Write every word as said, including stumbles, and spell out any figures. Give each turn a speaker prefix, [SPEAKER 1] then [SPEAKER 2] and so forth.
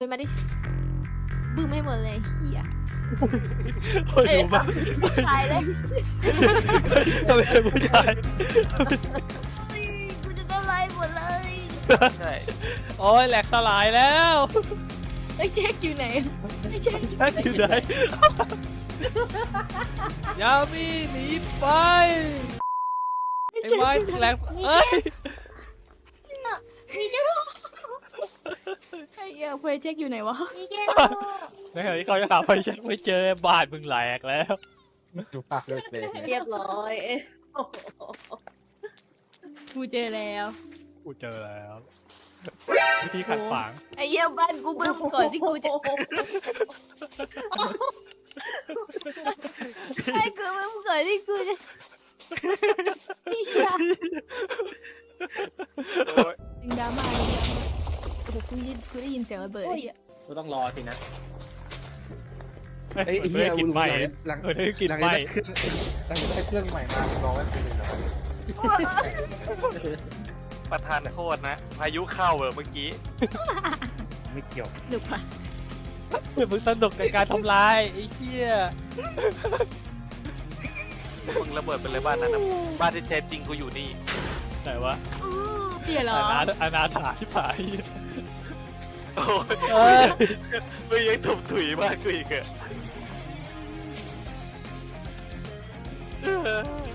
[SPEAKER 1] เป็นมาดิบึ้มไม่หมดเลยเฮีย
[SPEAKER 2] โอ้ยดูบ้า
[SPEAKER 1] ผู้ชายเลย
[SPEAKER 2] ทำไมเป็นผู้ชาย
[SPEAKER 1] กูจะโดนไล่หมดเลย
[SPEAKER 3] ใช่
[SPEAKER 2] โอ้ยแหลกสลายแล้ว
[SPEAKER 1] ไอ้แจ็คอยู่ไหนไอ้แจ็ค
[SPEAKER 2] แจ็คอยู่ไหนยามีหนีไปไอ้ไม้แหลกเอ้ย
[SPEAKER 1] นี่แจ็คไอ้เหี้ยเพื่อนแจ็คอยู่ไหนวะ
[SPEAKER 4] นี่แก
[SPEAKER 2] ในขณะที่เขาจะหาไฟแช็กไม่เจอบาดมึงแหลกแล้ว
[SPEAKER 5] ดูปากเลยเลย
[SPEAKER 4] เรียบร้อย
[SPEAKER 1] กูเจอแล้ว
[SPEAKER 2] กูเจอแล้ววิธีขัดขวาง
[SPEAKER 1] ไอ้เหี้ยบ้านกูบึ้มก่อนที่กูจะไอ้กูบึ้มก่อนที่กูจะเหี้ย
[SPEAKER 3] โอ้ย
[SPEAKER 1] ดึงดราม่าเลยเนี่ยโอ้โหกูได้กูได้ยินเสียงระเบิดไอ้เหี้ย
[SPEAKER 5] ก็ต้องรอสินะ
[SPEAKER 2] เฮ้ย
[SPEAKER 5] ไอ้
[SPEAKER 2] ไม่
[SPEAKER 5] เหี้ย
[SPEAKER 2] ได้กินไหม
[SPEAKER 5] หลัง
[SPEAKER 2] ไม่ได้กิน
[SPEAKER 5] หลัง
[SPEAKER 2] ไหม
[SPEAKER 5] ได้เครื่องหลังได้เครื่องใหม่มารอไว้เป็นเลยนะ
[SPEAKER 3] ประธานโทษนะพายุเข้าเหรอเมื่อกี้
[SPEAKER 5] ไม่เกี่ยว
[SPEAKER 1] หนุกปะ
[SPEAKER 2] มึงสนุกในการทำลายไอ้เหี้ย
[SPEAKER 3] มึงระเบิดไปเลยบ้านนั้นนะบ้านที่แท้จริงกูอยู่นี่
[SPEAKER 2] แต่ว่า
[SPEAKER 1] เหี้ยเหรอ
[SPEAKER 2] อนาอนาถาชิบหาย
[SPEAKER 3] โอ้ย
[SPEAKER 2] เอ้ย
[SPEAKER 3] มึงยังถุบถุยมากกูอีกเหรอ